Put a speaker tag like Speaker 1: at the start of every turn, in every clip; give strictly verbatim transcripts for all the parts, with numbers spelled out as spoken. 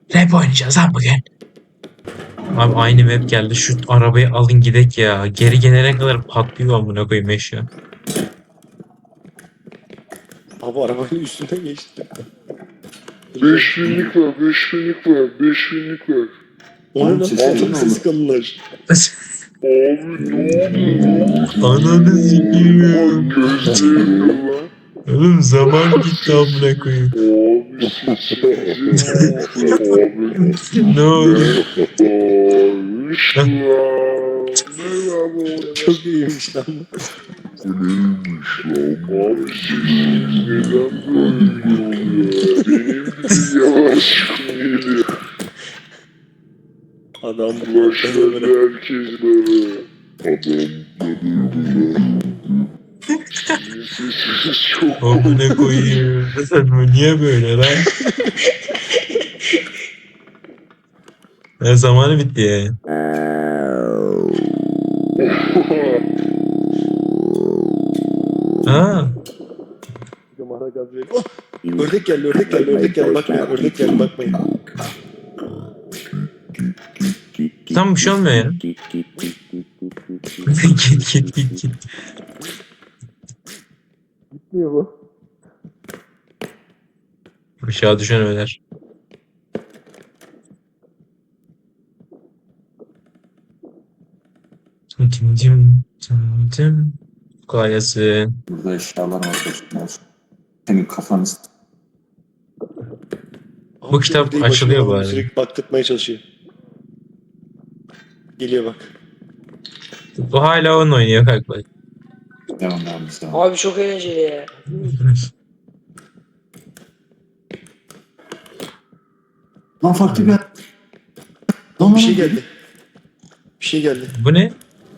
Speaker 1: Rap oynayacağız lan bugün. Abi aynı map geldi. Şu arabayı alın gidek ya. Geri gelene kadar patlıyor amına koyayım eşya.
Speaker 2: Abi arabanın üstünden geçti.
Speaker 3: Beş binlik var, beş binlik var, beş binlik var.
Speaker 2: Onun
Speaker 3: Oğlum sesi
Speaker 2: altın
Speaker 3: ne
Speaker 2: sesi
Speaker 3: olur?
Speaker 2: kalınlar.
Speaker 3: Abi ne oluyor?
Speaker 1: Ananı sikeyim.
Speaker 3: Bak gözlerim lan.
Speaker 1: Oğlum zaman gitti amına koyayım.
Speaker 3: Abi sesinize bak abi.
Speaker 1: Ne oldu?
Speaker 3: Merhabamış lan. Merhaba.
Speaker 2: Çok iyiymiş lan.
Speaker 3: Bu neymiş lan? Abi sesiniz neden böyle oluyor? Benim de yavaş geliyor.
Speaker 2: Adam
Speaker 3: Başladı herkes böyle. Adam böyle. Sizin sesiniz çok
Speaker 1: Amına koyayım. Bu niye böyle lan? Ya zamanı bitti ya. Ha.
Speaker 2: Yumara Gabriel. Oh! Ördek geldi, ördek geldi, ördek geldi. Bakmayın, ördek geldi, bakmayın.
Speaker 1: Tam bir şey olmuyor ya. Git git git git.
Speaker 2: Gitmiyor bu.
Speaker 1: Aşağı düşen öler. Cim cim cim cim. Kolay gelsin.
Speaker 4: Burada eşyalar var dostlar. Senin kafanı s-
Speaker 2: Abi
Speaker 1: Bu kitap
Speaker 2: ördeği
Speaker 1: açılıyor
Speaker 2: başına
Speaker 1: bu
Speaker 2: alalım,
Speaker 1: arada.
Speaker 2: sürekli baktırtmaya çalışıyor. Geliyor bak.
Speaker 1: Bu hala oyun oynuyor kanka.
Speaker 4: devam devam devam.
Speaker 5: Abi çok eğlenceli ya.
Speaker 4: Lan farklı bir... Lan
Speaker 2: Bir şey geldi. Bir şey geldi.
Speaker 1: Bu ne?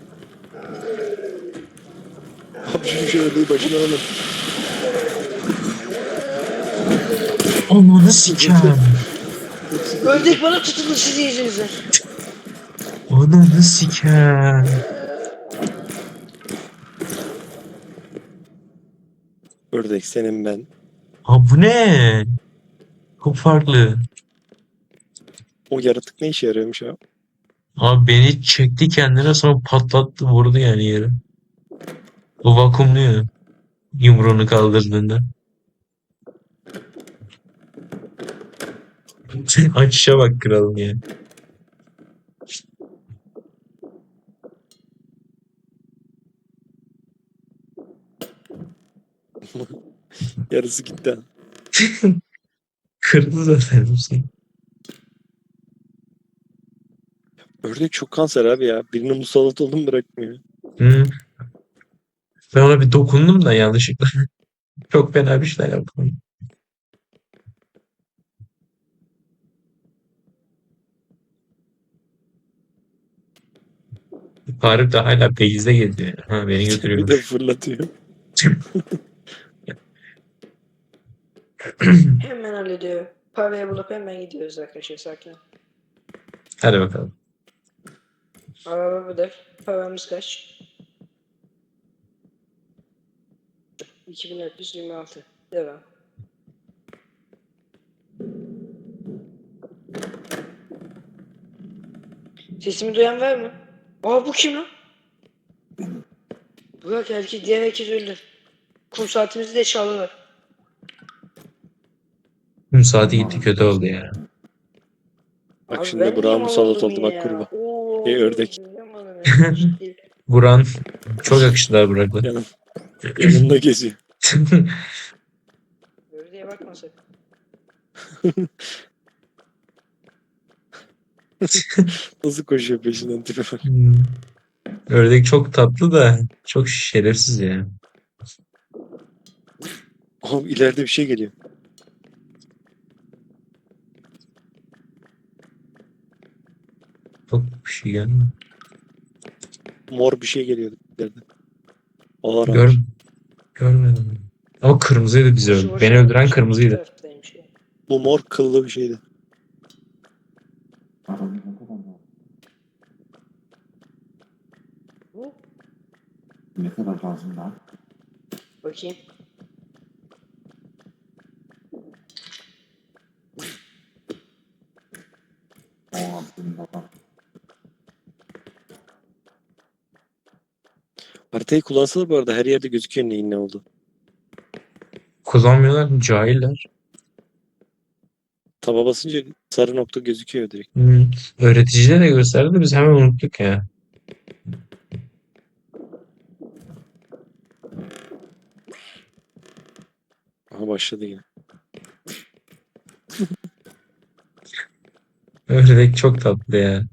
Speaker 2: Abi şu şey ördeği başına alalım.
Speaker 1: Ananı sikem.
Speaker 5: Ördek bana tutuldu sizin yüzünüzden.
Speaker 1: Ananı sikem.
Speaker 2: Ördek senin ben.
Speaker 1: Ha bu ne? Çok farklı.
Speaker 2: O yaratık ne işe yarıyormuş abi?
Speaker 1: Abi beni çekti kendine sonra patlattı vurdu yani yere. Bu vakumluyor. Yumruğunu kaldırdığında. Açışa bak kralım ya.
Speaker 2: Yarısı gitti ha.
Speaker 1: Kırdı zaten hepsini.
Speaker 2: Ördek çok kanser abi ya. Birine musallat oldum bırakmıyor.
Speaker 1: Hı. Ben ona bir dokundum da yanlışlıkla. Çok fena bir şeyler yaptım. Tarık da hala Beyiz'de geziyor. Ha beni
Speaker 2: Bir de
Speaker 1: götürüyormuş.
Speaker 2: fırlatıyor.
Speaker 5: Hemen hallediyor. Parayı bulup hemen gidiyoruz arkadaşlar sakin.
Speaker 1: Hadi bakalım.
Speaker 5: Araba bu da. Paramız kaç? iki bin dört yüz yirmi altı. Devam. Sesimi duyan var mı? Aa bu kim lan? Burak erkek diğer herkes öldü. Kum saatimizi de çaldılar.
Speaker 1: Gün saati gitti kötü oldu ya.
Speaker 2: Bak
Speaker 5: Abi
Speaker 2: şimdi
Speaker 5: ben
Speaker 2: Burak'a
Speaker 5: niye
Speaker 2: musallat
Speaker 5: mal
Speaker 2: oldu
Speaker 5: oldum
Speaker 2: bak
Speaker 5: ya?
Speaker 2: kurba.
Speaker 5: Oo,
Speaker 2: Ey ördek.
Speaker 5: yapamadım ya, ciddi.
Speaker 1: Buran çok yakıştılar Burak'la.
Speaker 2: Yanım, yanımda geziyor.
Speaker 5: Ördeğe bakma sakın.
Speaker 2: Nasıl koşuyor peşinden tipe bak.
Speaker 1: Hmm. Ördek çok tatlı da çok şerefsiz ya.
Speaker 2: Oğlum ileride bir şey geliyor.
Speaker 1: Çok bir şey gelmiyor.
Speaker 2: Mor bir şey geliyor ileride. Orange.
Speaker 1: Gör, görmedim. Ama kırmızıydı bizi
Speaker 5: Boşu
Speaker 1: öldü.
Speaker 5: boşuna
Speaker 1: Beni öldüren
Speaker 5: gitmiş,
Speaker 1: kırmızıydı.
Speaker 5: bu taraftaymış ya.
Speaker 2: Bu mor kıllı bir şeydi.
Speaker 5: Bu?
Speaker 4: Ne kadar lazım daha?
Speaker 5: Bakayım.
Speaker 4: Tamam. Senin kafan.
Speaker 2: Haritayı kullansalar bu arada her yerde gözüküyor neyin ne oldu.
Speaker 1: Kullanmıyorlar, cahiller.
Speaker 2: Taba basınca sarı nokta gözüküyor direkt.
Speaker 1: Hmm. Öğreticide de gösterdi de biz hemen unuttuk ya.
Speaker 2: Aha başladı yine.
Speaker 1: Ördek çok tatlı ya.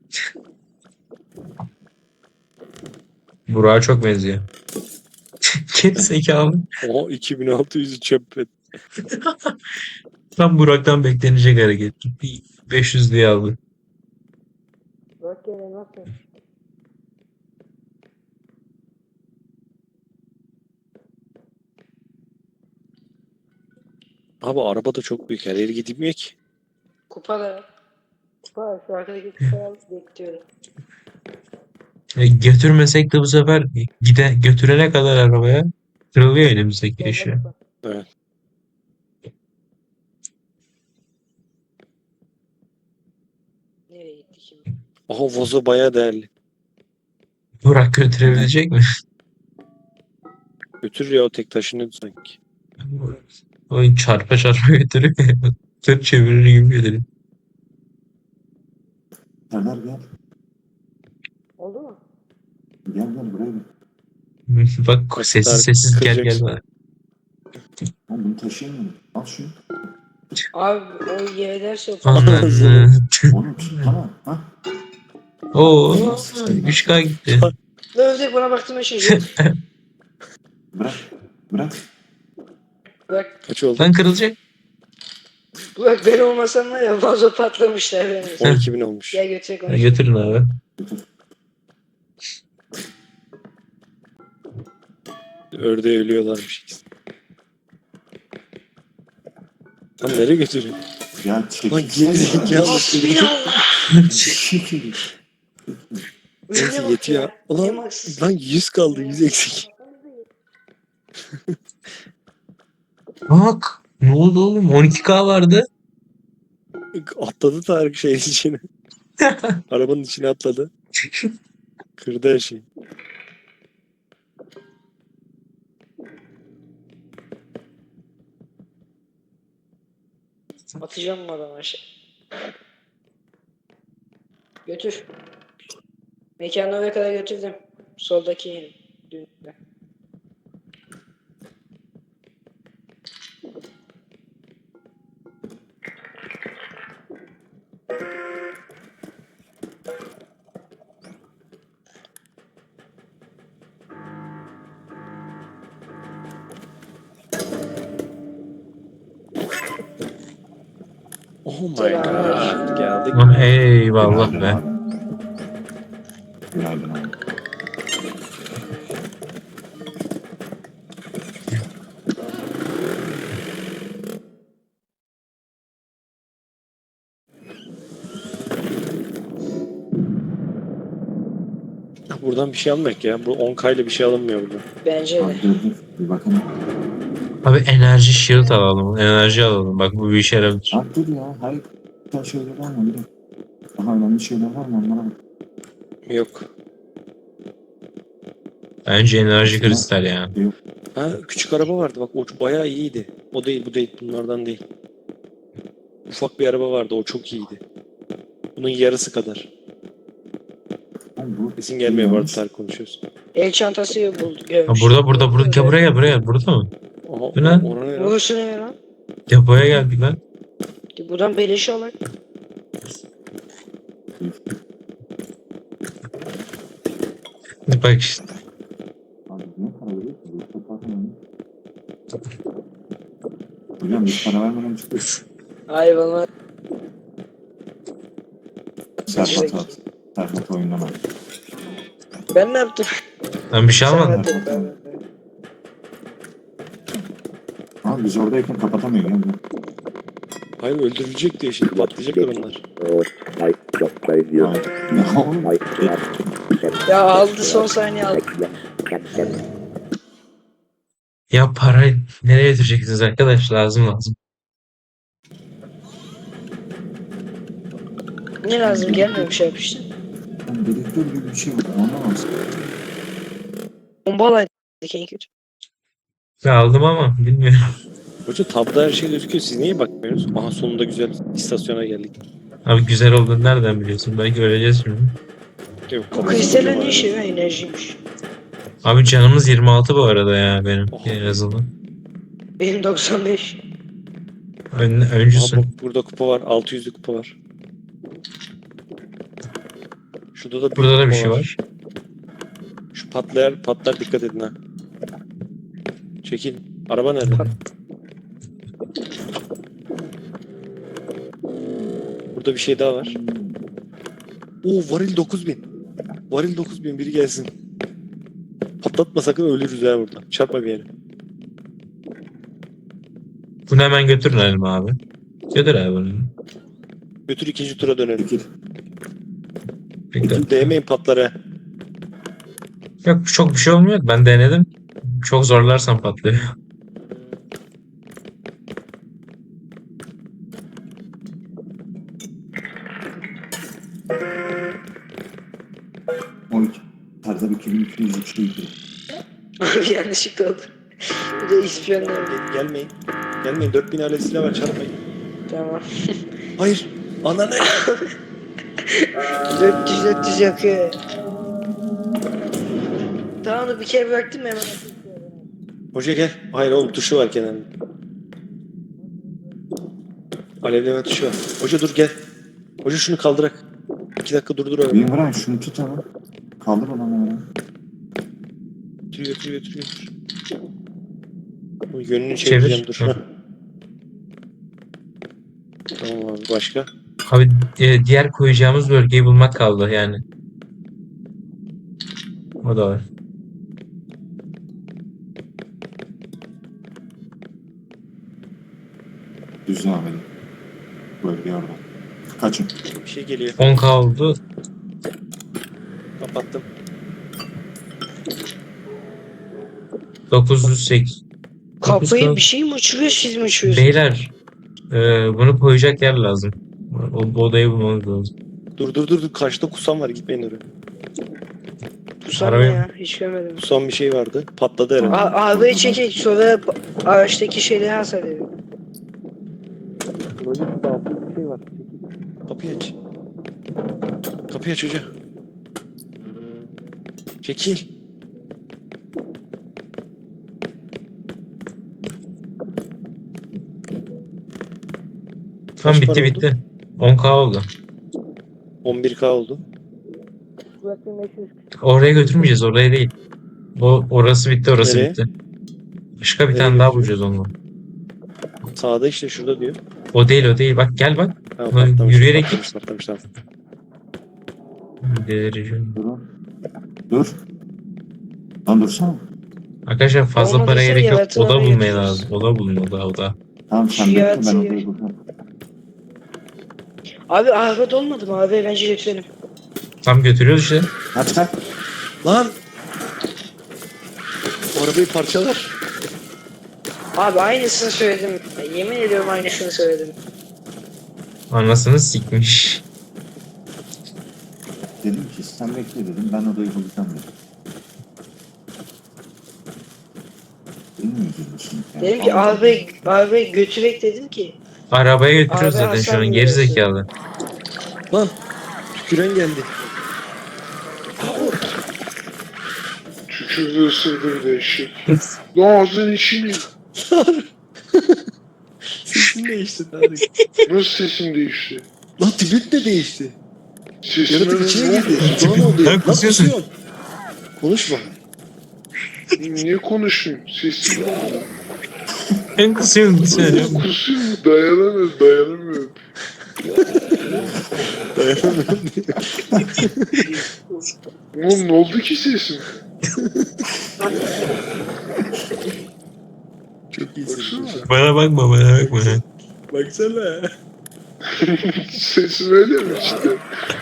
Speaker 1: Burak'a çok benziyor. Geri zekalı.
Speaker 2: Oha iki bin altı yüzü çöp et.
Speaker 1: Tam Burak'tan beklenecek hareket. Bir beş yüz diye aldı.
Speaker 5: Bak gene nasıl?
Speaker 2: Abi araba da çok büyük her yere gidilmiyor ki.
Speaker 5: Kupa da. Kupa şu arkadaki kupayı al bekliyorum.
Speaker 1: E, götürmesek de bu sefer gide götürene kadar arabaya kırılıyor elimizdeki
Speaker 5: Gel
Speaker 1: eşya.
Speaker 5: kupa.
Speaker 2: Evet.
Speaker 5: Nereye gitti şimdi?
Speaker 2: Aha vazo bayağı değerli.
Speaker 1: Burak götürebilecek mi?
Speaker 2: Götürür ya o tek taşınıyordu sanki.
Speaker 1: Oyun çarpa çarpa götürüyor. Tır çevirir gibi götürüyor.
Speaker 4: Serdar gel.
Speaker 5: Oldu mu?
Speaker 4: Gel gel buraya gel.
Speaker 1: Bak
Speaker 2: Bak,
Speaker 1: sessiz
Speaker 2: Tarık
Speaker 1: sessiz gel gel
Speaker 2: kıracaksın.
Speaker 1: bana.
Speaker 4: Oğlum bunu taşıyamıyorum. Al şunu.
Speaker 5: Abi o yere ders yok.
Speaker 1: Ananı.
Speaker 4: Oğlum tutsana. Ha?
Speaker 1: Oo, üç K gitti.
Speaker 5: Ördek bana baktığında şey yok.
Speaker 4: Bırak. Bırak.
Speaker 5: Bak,
Speaker 2: Kaç oldu?
Speaker 1: Lan kırılacak.
Speaker 5: bak ben olmasam var ya vazo patlamışlar benim.
Speaker 2: on iki bin olmuş.
Speaker 5: Gel götürecek
Speaker 1: Ha,
Speaker 5: onu.
Speaker 1: götürün abi.
Speaker 2: Ördeğe ölüyorlarmış ikisi. Lan nereye götürüyor?
Speaker 4: Ya çekil.
Speaker 2: Lan gerizekalı.
Speaker 5: Bismillah.
Speaker 4: Çekil.
Speaker 2: Neyse
Speaker 5: Önüne bak
Speaker 2: yetiyor.
Speaker 5: ya.
Speaker 2: Ulan
Speaker 5: Yemaksız.
Speaker 2: lan yüz kaldı yüz eksik.
Speaker 1: Bak. Ne oldu oğlum? on iki K vardı.
Speaker 2: Atladı Tarık şeyin içine. Arabanın içine atladı. Kırdı her şeyi.
Speaker 5: Atacağım mı adamı aşağı? Götür. Mekanı oraya kadar götürdüm. Soldaki yerim. Düğünde.
Speaker 2: Oh my
Speaker 5: Selam.
Speaker 2: god. Geldik.
Speaker 1: Ah, eyvallah
Speaker 4: Günaydın
Speaker 1: be.
Speaker 4: abi. Günaydın abi.
Speaker 2: Buradan bir şey almak ya. Bu on K ile bir şey alınmıyor burada.
Speaker 5: Bence
Speaker 4: Abi
Speaker 5: de.
Speaker 4: dur dur. Bir bakalım.
Speaker 1: Abi enerji shield alalım. Enerji alalım. Bak bu bir işe yarar.
Speaker 4: Abi dur ya. Hayır. Güzel şeyler var mı? Bir de. Daha önemli şeyler var mı? Onlara bak.
Speaker 2: Yok.
Speaker 1: Bence enerji kristal ya.
Speaker 2: Ha küçük araba vardı bak o bayağı iyiydi. O değil bu değil bunlardan değil. Ufak bir araba vardı o çok iyiydi. Bunun yarısı kadar.
Speaker 4: Oğlum bu.
Speaker 2: Kesin gelmiyor bu arada
Speaker 4: Yanlış.
Speaker 2: Tarık konuşuyoruz.
Speaker 5: El çantası bulduk.
Speaker 1: Ha,
Speaker 5: Görmüş.
Speaker 1: burada burada burada. Gel buraya gel buraya gel. Burada mı?
Speaker 2: Aha,
Speaker 1: Bu ne?
Speaker 2: Ona ne ya?
Speaker 5: Burası ne lan?
Speaker 1: Depoya geldik lan.
Speaker 5: Buradan beleş alak.
Speaker 1: Bak işte.
Speaker 4: Abi niye para veriyorsun? Bu toplarken Hocam biz para vermeden çıkıyoruz.
Speaker 5: Ay bana.
Speaker 4: Serhat at. Serhat oyundan at.
Speaker 5: Ben ne yaptım?
Speaker 1: Ben bir şey
Speaker 5: Sen
Speaker 1: almadım.
Speaker 5: attın, ben-
Speaker 4: Abi biz oradayken kapatamıyor. Yani.
Speaker 2: Hayır öldürülecek diye şimdi patlayacaklar onlar.
Speaker 4: Abi, ya oğlum.
Speaker 5: Ya aldı son saniye aldı.
Speaker 1: Ya parayı nereye götüreceksiniz arkadaş? Lazım lazım.
Speaker 5: Ne lazım gelmiyor bir şey yapmıştın.
Speaker 4: Yani dedektör gibi bir şey var. Anlamazsın.
Speaker 5: Bombalaydık en kötü.
Speaker 1: Ben aldım ama bilmiyorum.
Speaker 2: Hoca tabda her şey gözüküyor. Siz niye bakmıyorsunuz? Aha sonunda güzel istasyona geldik.
Speaker 1: Abi güzel olduğunu nereden biliyorsun? Belki öleceğiz şimdi.
Speaker 2: Yok,
Speaker 5: O kristalin ne işi ya? Enerjiymiş.
Speaker 1: Abi canımız yirmi altı bu arada ya benim
Speaker 2: Oh.
Speaker 1: en azından.
Speaker 5: Benim doksan beş.
Speaker 1: Ön,
Speaker 2: Aha,
Speaker 1: öncüsün.
Speaker 2: bak, burada kupa var. altı yüzlük kupa var. Şurada da büyük
Speaker 1: Burada da bir
Speaker 2: kupa
Speaker 1: şey var.
Speaker 2: Şu patlayan patlar, dikkat edin ha. Çekil. Araba nerede? Burada bir şey daha var. Oo, varil dokuz bin. Varil dokuz bin, biri gelsin. Patlatma sakın, ölürüz ha burada. Çarpma bir yere.
Speaker 1: Bunu hemen götürelim abi. Götür abi bunu.
Speaker 2: Götür, ikinci tura dönelim.
Speaker 4: Peki.
Speaker 1: Bekle.
Speaker 2: Değmeyin patlara.
Speaker 1: Yok çok bir şey olmuyor. Ben denedim. Çok zorlarsan patlıyor.
Speaker 4: O iki. Tarzda bir iki bin iki yüzlük şey gibi.
Speaker 5: Abi yanlışlıkla oldu. Bu da ispiyonlar.
Speaker 2: Gel- Gelmeyin. Gelmeyin. dört bin alet silah var, çarpmayın.
Speaker 5: Tamam.
Speaker 2: Hayır. Ananı.
Speaker 5: dört yüz dört yüz yakıyor. Tamam da bir kere bıraktım hemen.
Speaker 2: Hoca gel. Hayır oğlum, tuşu var kenarında. Alevleme tuşu var. Hoca dur gel. Hoca şunu kaldırak. İki dakika durdur öyle.
Speaker 4: Benim Brian şunu tut ama. Kaldır onu ya.
Speaker 2: Götür götür götür götür. Bu yönünü
Speaker 1: Çevir.
Speaker 2: çevireceğim, dur.
Speaker 1: Hı.
Speaker 2: Heh. Tamam abi, başka?
Speaker 1: Abi e, diğer koyacağımız bölgeyi bulmak kaldı yani. O da var.
Speaker 4: Düz devam edin. Bölge orada. Kaçın.
Speaker 2: Bir şey geliyor.
Speaker 1: on K oldu.
Speaker 2: Kapattım.
Speaker 1: dokuz yüz sekiz.
Speaker 5: Kafayı bir şey mi uçuruyor, siz mi uçuruyorsunuz?
Speaker 1: Beyler e, bunu koyacak yer lazım. O, bu odayı bulmamız lazım.
Speaker 2: Dur dur dur dur. Karşıda kusam var. Gitmeyin oraya.
Speaker 5: Bu sana
Speaker 1: Arabaya-
Speaker 5: ya, hiç görmedim.
Speaker 2: Kusam bir şey vardı. Patladı herhalde.
Speaker 5: A- Arabayı çekek, sonra ba- araçtaki şeyleri hasar ediyor.
Speaker 2: Burada bir şey var. Kapıyı aç. Kapıyı aç hoca. Çekil.
Speaker 1: Tamam
Speaker 2: Kaç
Speaker 1: bitti
Speaker 2: para oldu?
Speaker 1: bitti. on K oldu.
Speaker 2: on bir K oldu.
Speaker 1: Oraya götürmeyeceğiz, oraya değil. O orası bitti, orası
Speaker 2: Nereye?
Speaker 1: bitti. Başka bir
Speaker 2: Nereye
Speaker 1: tane daha
Speaker 2: götürüyoruz?
Speaker 1: bulacağız onunla.
Speaker 2: Sağda işte, şurada diyor.
Speaker 1: O değil, o değil. Bak gel bak.
Speaker 2: Tamam,
Speaker 1: Lan
Speaker 2: patlamış,
Speaker 1: yürüyerek
Speaker 2: patlamış, patlamış, tamam.
Speaker 1: Delireceğim.
Speaker 4: Durun. Dur. Lan dursana.
Speaker 1: Arkadaşlar fazla
Speaker 5: Olmadıysa
Speaker 1: para gerek yok.
Speaker 5: yaratılanı
Speaker 1: Oda bulmaya
Speaker 5: götürürüz.
Speaker 1: lazım. Oda bulun, oda oda.
Speaker 4: Tamam sen
Speaker 5: Şu
Speaker 4: bekle ben
Speaker 5: yaratığı-
Speaker 4: odayı bulacağım.
Speaker 5: Abi araba dolmadı mı abi? Bence götürelim.
Speaker 1: Tam götürüyoruz işte.
Speaker 4: Kaç kaç.
Speaker 2: Lan! O arabayı parçalar.
Speaker 5: Abi aynısını söyledim. Ya, yemin ediyorum aynısını söyledim.
Speaker 1: Anasını sikmiş.
Speaker 4: Dedim ki sen bekle dedim ben odayı bulacağım dedim. Bilmiyoruz şimdi. Yani.
Speaker 5: Dedim ki arabayı, arabayı götürek dedim ki.
Speaker 1: Arabaya götürüyoruz
Speaker 5: Abi
Speaker 1: zaten şu
Speaker 5: Hasan
Speaker 1: an.
Speaker 5: diyorsun.
Speaker 1: Geri zekalı.
Speaker 2: Lan! Tüküren geldi.
Speaker 3: Tükürdü, ısırdı bir de eşek. Lan ağzının içini.
Speaker 2: Sesin değişti Tarık.
Speaker 3: Nasıl sesim değişti?
Speaker 2: Lan tipin de değişti.
Speaker 3: Sesime
Speaker 2: Yaratık içine
Speaker 3: ne
Speaker 2: girdi.
Speaker 3: oldu?
Speaker 2: Lan oldu ya.
Speaker 1: Lan
Speaker 2: Lan
Speaker 1: kusuyorsun.
Speaker 2: kusuyorsun. Konuşma.
Speaker 3: Niye konuşayım? Sesim ne oldu?
Speaker 1: En kısıyorum söylüyorum.
Speaker 3: Kusayım mı? Dayanamıyorum, dayanamıyorum.
Speaker 2: Dayanamıyorum.
Speaker 3: Oğlum ne oldu ki sesim?
Speaker 2: Çok iyisin.
Speaker 3: Baksana.
Speaker 1: Bana bakma, bana bakma.
Speaker 2: Baksana.
Speaker 3: Sesim öyle mi işte?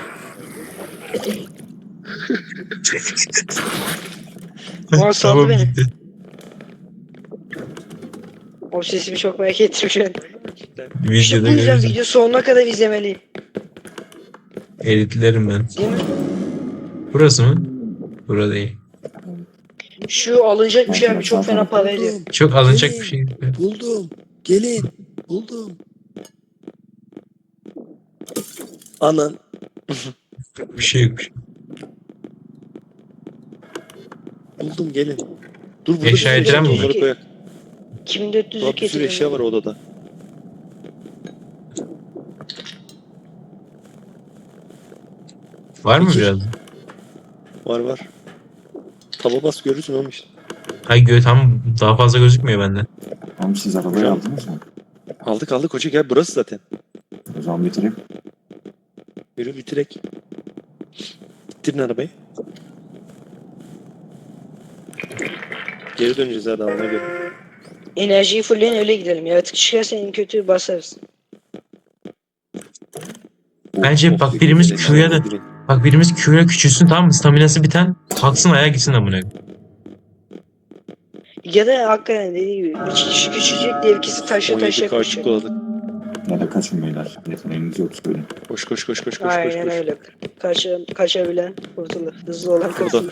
Speaker 5: Ama saldı
Speaker 1: Tamam
Speaker 5: beni.
Speaker 1: gitti.
Speaker 5: O sesimi çok merak ettim şu an. İşte
Speaker 1: Videoda
Speaker 5: bu yüzden
Speaker 1: görürüz.
Speaker 5: video sonuna kadar izlemeliyim.
Speaker 1: Editlerim ben.
Speaker 5: Değil mi?
Speaker 1: Burası mı? Burada değil.
Speaker 5: Şu alınacak bir şey abi çok fena para ediyor.
Speaker 2: Buldum.
Speaker 1: Çok alınacak bir şey.
Speaker 2: Buldum. Gelin. Buldum. Anan.
Speaker 1: Bir şey yok.
Speaker 2: Buldum gelin. Dur burada
Speaker 1: Eşya
Speaker 2: bir sürü
Speaker 1: etiren mi
Speaker 2: eşya
Speaker 1: var?
Speaker 2: onları koyak.
Speaker 5: iki bin dört yüzlük
Speaker 2: Daha bir sürü eşya var odada.
Speaker 1: Var mı
Speaker 2: Peki.
Speaker 1: biraz?
Speaker 2: Var var. Taba bas görürsün oğlum işte.
Speaker 1: Ay gö tam daha fazla gözükmüyor bende.
Speaker 4: Tamam siz arabayı aldınız mı?
Speaker 2: Aldık aldık hoca gel burası zaten.
Speaker 4: O zaman bitireyim.
Speaker 2: Yürü bitirek. Bitirin arabayı. Geri döneceğiz hadi alana göre.
Speaker 5: Enerjiyi fullleyin öyle gidelim. Yaratık çıkarsa en kötü basarız.
Speaker 1: Bence
Speaker 4: Of,
Speaker 1: bak
Speaker 4: of,
Speaker 1: birimiz
Speaker 4: of,
Speaker 1: Q'ya da bak birimiz Q'ya küçülsün tamam mı? Staminası biten kalksın ayağa gitsin amına.
Speaker 5: Ya da hakikaten dediği gibi bir kişi küçülecek diğer ikisi taşa
Speaker 2: on yedi
Speaker 5: taşa
Speaker 2: kaç
Speaker 5: koşacak.
Speaker 2: koladık.
Speaker 4: Ya da kaçın beyler. Yeteneğiniz yok söyleyin.
Speaker 2: Koş koş koş koş koş koş
Speaker 5: Aynen
Speaker 2: koş.
Speaker 5: öyle. Kaça, kaçabilen kurtulur. Hızlı olan
Speaker 2: Burada.
Speaker 5: kurtulur.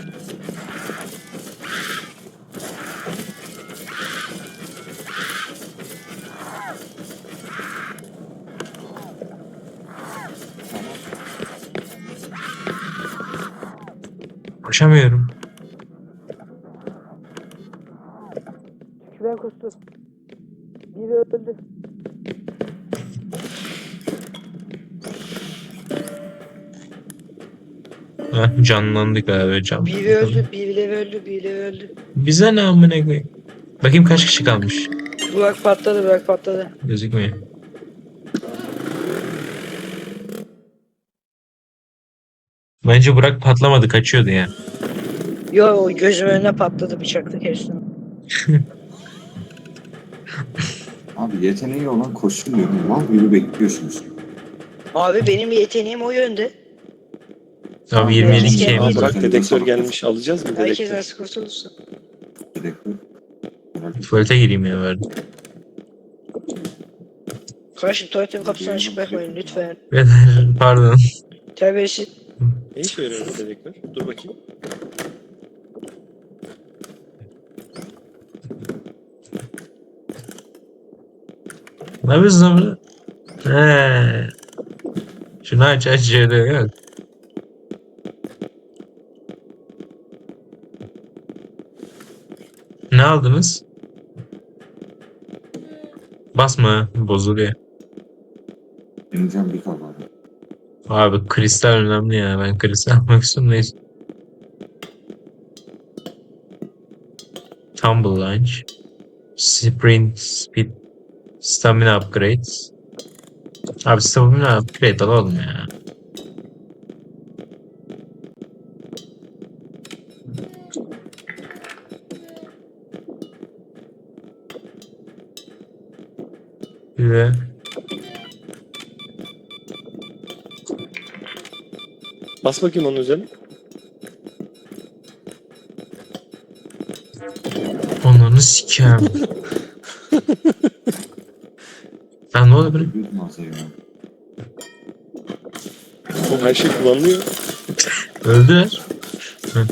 Speaker 1: Koşamıyorum.
Speaker 5: Ben kustum. Biri öldü.
Speaker 1: Heh, canlandık abi can.
Speaker 5: Biri öldü, birileri öldü, birileri öldü.
Speaker 1: Bize ne amına koyayım? Bakayım kaç kişi kalmış.
Speaker 5: Burak patladı, Burak patladı.
Speaker 1: Gözükmüyor. Bence Burak patlamadı kaçıyordu ya.
Speaker 5: Yo, o gözümün önüne patladı bıçakla kestim.
Speaker 4: Abi yeteneği olan koşsun diyorum. Mal gibi bekliyorsunuz.
Speaker 5: Abi benim yeteneğim o yönde.
Speaker 1: Abi yirmi yedi
Speaker 5: Herkes
Speaker 1: kişi
Speaker 5: kendi-
Speaker 2: Aa,
Speaker 1: evimiz var.
Speaker 2: bırak dedektör gelmiş alacağız mı
Speaker 5: Herkes
Speaker 2: dedektör?
Speaker 5: nasıl kurtulursun.
Speaker 4: Bir dakika. Bırak.
Speaker 1: Tuvalete gireyim ya verdim.
Speaker 5: Kardeşim tuvaletin kapısını açık bırakmayın lütfen.
Speaker 1: Beyler, pardon.
Speaker 5: Terbiyesiz.
Speaker 2: Ne işe yarıyor bu dedektör? Dur bakayım.
Speaker 1: Ne yapıyorsun lan burada? He. Şunu aç aç şöyle yok. Ne aldınız? Basma bozuluyor.
Speaker 4: Benim canım bir kalmadı.
Speaker 1: Abi kristal önemli ya. Ben kristal almak istiyorum neyse. Tumble Launch. Sprint Speed. Stamina Upgrades. Abi stamina upgrade alalım ya. Ve
Speaker 2: Bas bakayım onun üzerine.
Speaker 1: onları sikeyim. Lan ne oldu böyle?
Speaker 4: Bir masaya ya.
Speaker 2: O her şey kullanılıyor.
Speaker 1: Öldüler. Hı.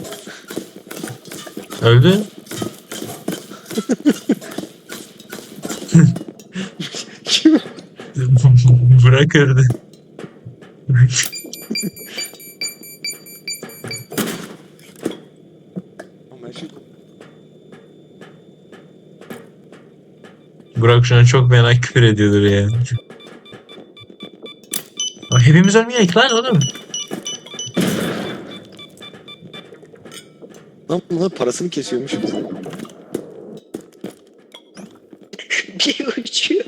Speaker 1: Öldü.
Speaker 2: Kim?
Speaker 1: Bırak öldü.
Speaker 2: Oğlum her şey
Speaker 1: Burak şu an çok fena küfür ediyordur ya. Aa, hepimiz ölmeyek lan oğlum.
Speaker 2: Lan bunlar parasını kesiyormuş bize.
Speaker 5: Bir uçuyor.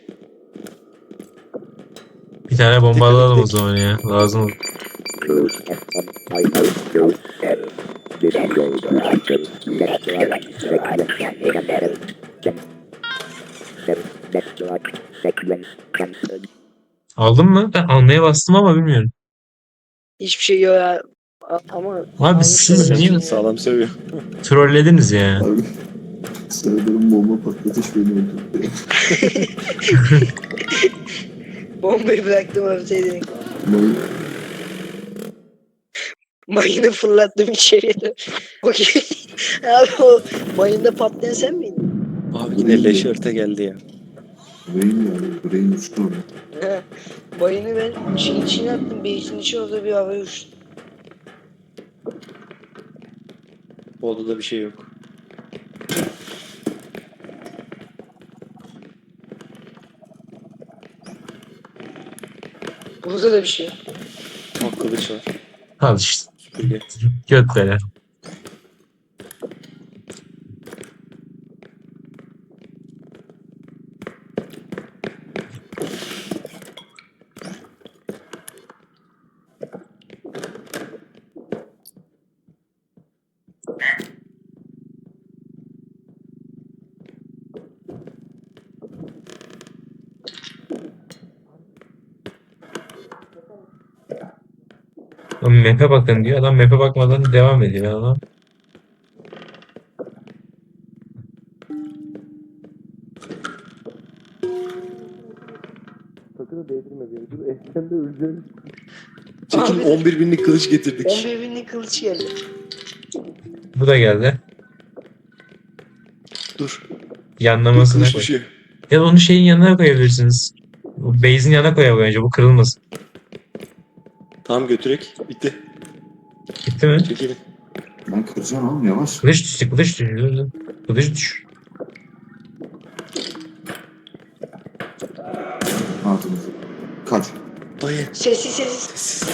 Speaker 1: Bir tane bomba alalım o zaman ya. Lazım olur. Aldın mı? Ben almaya bastım ama bilmiyorum.
Speaker 5: Hiçbir şey yok ya. A- Ama
Speaker 1: Abi siz
Speaker 5: Almış
Speaker 1: niye
Speaker 5: olabilir.
Speaker 2: Sağlam seviyor.
Speaker 1: trollediniz ya?
Speaker 4: Abi. Sıradarım bomba patlatış beni öldürdü.
Speaker 5: bombayı bıraktım ortaya direkt.
Speaker 4: Mal-
Speaker 5: Mayını fırlattım içeriye de. Bakayım. Abi o mayında patlayan sen miydin?
Speaker 2: Abi yine leş örte geldi ya.
Speaker 4: Brain yani. Brain uçtu oraya.
Speaker 5: He. Mayını ben şeyin içine attım. Beysin içi orada bir havaya uçtu.
Speaker 2: Bu odada bir şey yok.
Speaker 5: Burada da bir şey yok.
Speaker 2: Bak kılıç var.
Speaker 1: Al işte.
Speaker 2: Süpürge.
Speaker 1: Göt veren. Lan map'e bakın diyor. Adam map'e bakmadan devam ediyor adam.
Speaker 2: Sakın da değdirme beni. Dur ehten de öleceğim. Çekin
Speaker 5: Abi.
Speaker 2: on bir binlik kılıç getirdik.
Speaker 5: on bir binlik kılıç geldi.
Speaker 1: Bu da geldi.
Speaker 2: Dur. Dur
Speaker 1: Yanlamasına
Speaker 2: kılıç
Speaker 1: koy.
Speaker 2: düşüyor.
Speaker 1: Ya da onu şeyin yanına koyabilirsiniz. Bu base'in yanına koyalım önce. Bu kırılmasın.
Speaker 2: Tamam götürek. Bitti.
Speaker 1: Gitti mi?
Speaker 2: Çekilin.
Speaker 4: Ben kıracağım oğlum yavaş.
Speaker 1: Kılıç düştü. Kılıç düştü. Dur, dur. Kılıç düş.
Speaker 4: Altımız. Kaç.
Speaker 2: Dayı.
Speaker 5: Sessiz sessiz.
Speaker 2: Sessiz.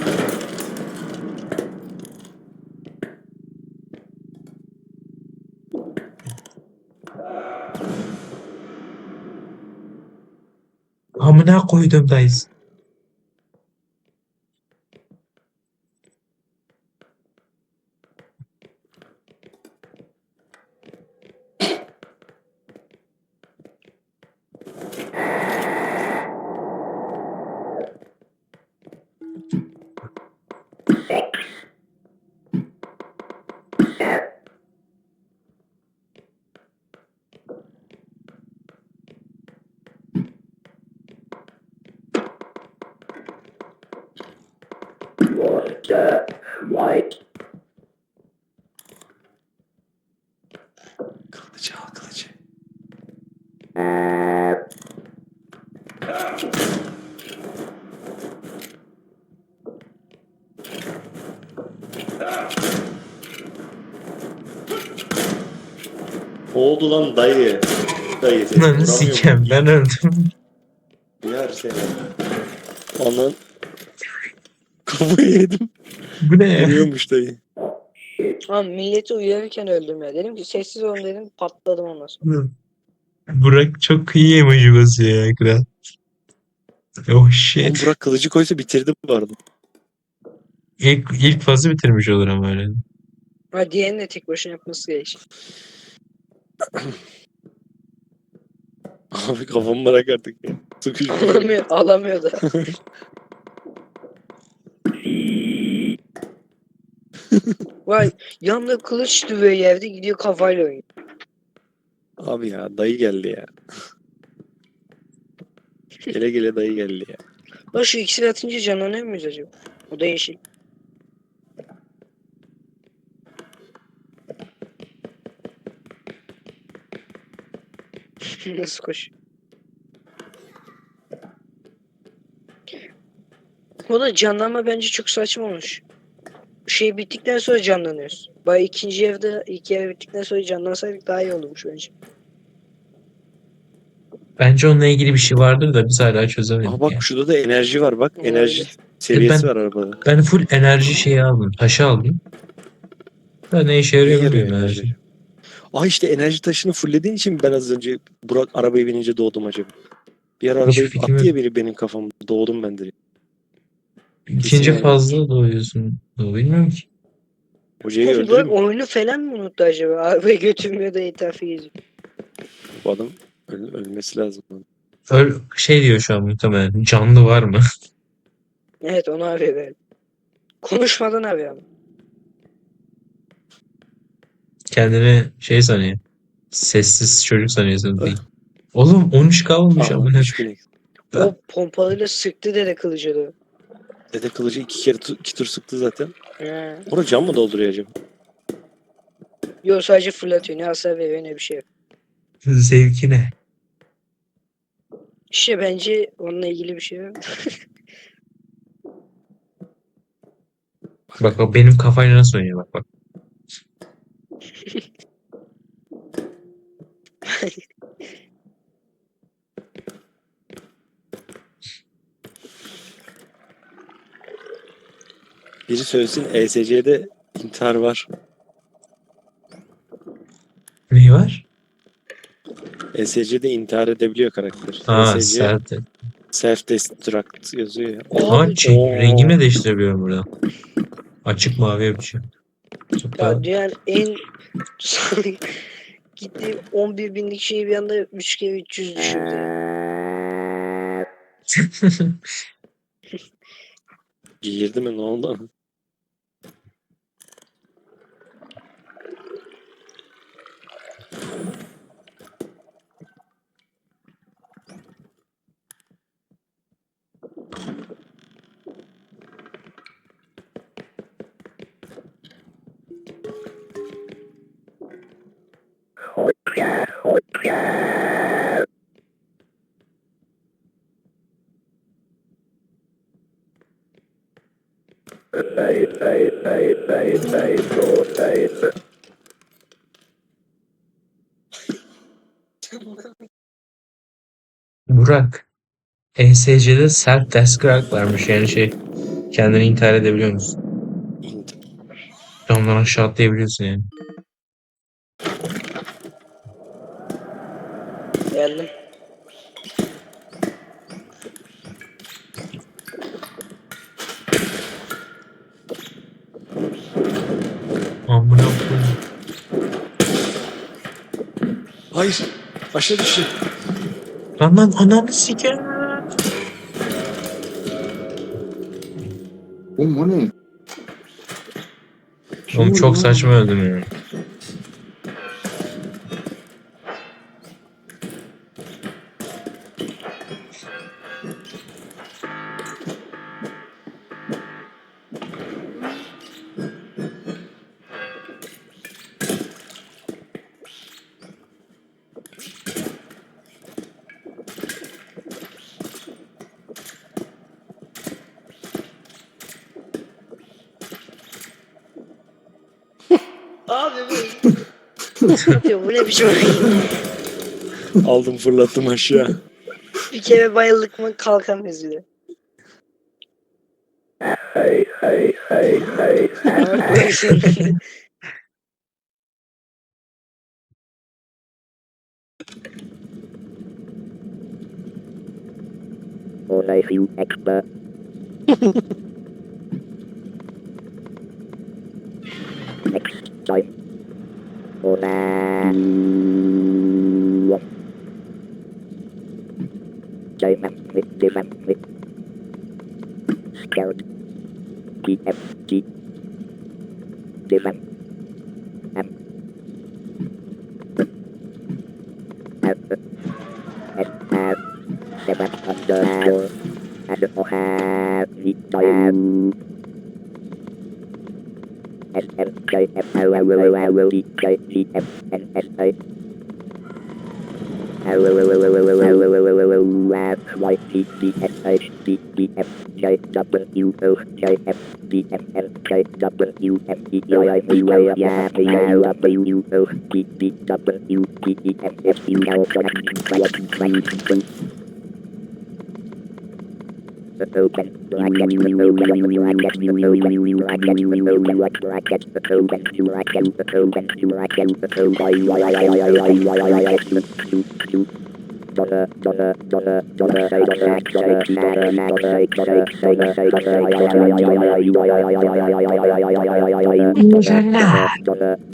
Speaker 1: Amına koydum dayız.
Speaker 2: Kılıcı al kılıcı. Ne oldu lan dayı? Dayı seni
Speaker 1: Lan
Speaker 2: vuramıyor
Speaker 1: sikem
Speaker 2: mu?
Speaker 1: ben öldüm.
Speaker 2: Yer seni. Anan. Kafayı yedim.
Speaker 1: Bu ne ya?
Speaker 2: Vuruyormuş dayı.
Speaker 5: Ama milleti uyarırken öldüm ya. Dedim ki sessiz olun dedim patladım ondan sonra.
Speaker 1: Burak çok iyi emoji basıyor ya kral. Oh
Speaker 2: Oğlum
Speaker 1: shit.
Speaker 2: Burak kılıcı koysa bitirdi bu arada.
Speaker 1: İlk, ilk fazı bitirmiş olur ama öyle.
Speaker 5: Ha diğerini de tek başına yapması gerekir.
Speaker 2: Abi kafamı bırak artık ya. Sıkışmış.
Speaker 5: Alamıyor, alamıyor da. Vay yanında kılıç duruyor yerde gidiyor kafayla oynuyor.
Speaker 2: Abi ya dayı geldi ya. Gele gele dayı geldi ya.
Speaker 5: Lan şu ikisini atınca canlanıyor muyuz acaba? O da yeşil. Nasıl koş? O da canlanma bence çok saçma olmuş. Şey bittikten sonra canlanıyoruz. Bay ikinci evde ilk ev bittikten sonra canlansaydık daha iyi olurmuş bence.
Speaker 1: Bence onunla ilgili bir şey vardır da biz hala çözemedik
Speaker 2: Aha bak
Speaker 1: ya.
Speaker 2: şurada da enerji var bak.
Speaker 5: Olabilir.
Speaker 2: Enerji seviyesi
Speaker 1: ben-
Speaker 2: var arabada.
Speaker 1: Ben full enerji şeyi aldım. Taşı aldım. Da ne işe
Speaker 2: İyi
Speaker 1: yarıyor
Speaker 2: yarıyor
Speaker 1: bilmiyorum enerji.
Speaker 2: enerji. Aa işte enerji taşını fullediğin için ben az önce Burak arabaya binince doğdum acaba. Bir ara
Speaker 1: Hiçbir
Speaker 2: arabayı
Speaker 1: fikrim
Speaker 2: attı
Speaker 1: yok.
Speaker 2: ya biri benim kafamda. Doğdum ben direkt.
Speaker 1: İkinci
Speaker 2: yani.
Speaker 1: fazla doğuyorsun. Doğu bilmiyorum ki.
Speaker 2: Hocayı
Speaker 5: Oğlum
Speaker 2: öldürür
Speaker 5: Burak
Speaker 2: mü?
Speaker 5: oyunu falan mı unuttu acaba? Arabayı götürmüyor da etrafı geziyor.
Speaker 2: Bu adam öl- ölmesi lazım.
Speaker 1: Öl şey diyor şu an muhtemelen. Canlı var mı?
Speaker 5: Evet onu arıyor böyle. Konuşmadan arıyor ama.
Speaker 1: Kendini şey sanıyor. Sessiz çocuk sanıyorsun.
Speaker 2: Ah.
Speaker 1: Değil. Oğlum on üç kalmış
Speaker 2: Aha
Speaker 1: ama ne?
Speaker 2: üç bin.
Speaker 5: O pompalıyla sıktı dede kılıcı da.
Speaker 2: Dede kılıcı iki kere tu- iki tur sıktı zaten.
Speaker 5: He.
Speaker 2: Orada can mı dolduruyor acaba?
Speaker 5: Yok sadece fırlatıyor. Ne hasar veriyor ne bir şey yok.
Speaker 1: Zevki ne?
Speaker 5: İşte bence onunla ilgili bir şey yok.
Speaker 1: Bak o benim kafayla nasıl oynuyor bak bak.
Speaker 2: Biri söylesin E S C'de intihar var.
Speaker 1: Neyi var?
Speaker 2: E S C'de intihar edebiliyor karakter.
Speaker 1: Ha
Speaker 2: E S C
Speaker 1: sert.
Speaker 2: self destruct yazıyor ya.
Speaker 1: Ama
Speaker 5: Abi
Speaker 1: şey,
Speaker 2: Oo.
Speaker 1: rengimi de değiştirebiliyorum burada. Açık mavi yapacağım. Çok daha...
Speaker 5: ya dünyanın en gitti on bir binlik şeyi bir anda üç kere üç yüz düşürdü.
Speaker 2: Girdi mi ne oldu?
Speaker 1: Burak. E S C'de self destruct varmış yani şey. Kendini intihar edebiliyor musun? Camdan aşağı atlayabiliyorsun yani.
Speaker 5: Geldim.
Speaker 1: Amına koyayım.
Speaker 2: Hayır. Aşağı düştü.
Speaker 1: Lan lan ananı siker.
Speaker 4: Oğlum o ne?
Speaker 1: Oğlum çok saçma öldüm ya.
Speaker 5: Abi bu. Ya bu ne biçim oyun?
Speaker 2: Aldım fırlattım aşağı.
Speaker 5: Bir kere bayıldık mı kalkamayız bile.
Speaker 6: Only few expert. Next time. Ona. Chơi mặt with the mặt with. Scout. T F G. The mặt. M. F. S. R. The mặt underscore. And O have the time. S N J F L L L L L D J G F N S A L L L L L L L L L L L Y T D S H D D F J W O J F D M N J W M E I I V Y Y P L W O D D W P E N F U L J Open bracket open bracket open bracket open bracket open bracket open bracket open dollar dollar dollar dollar say dollar say dollar dollar say dollar say dollar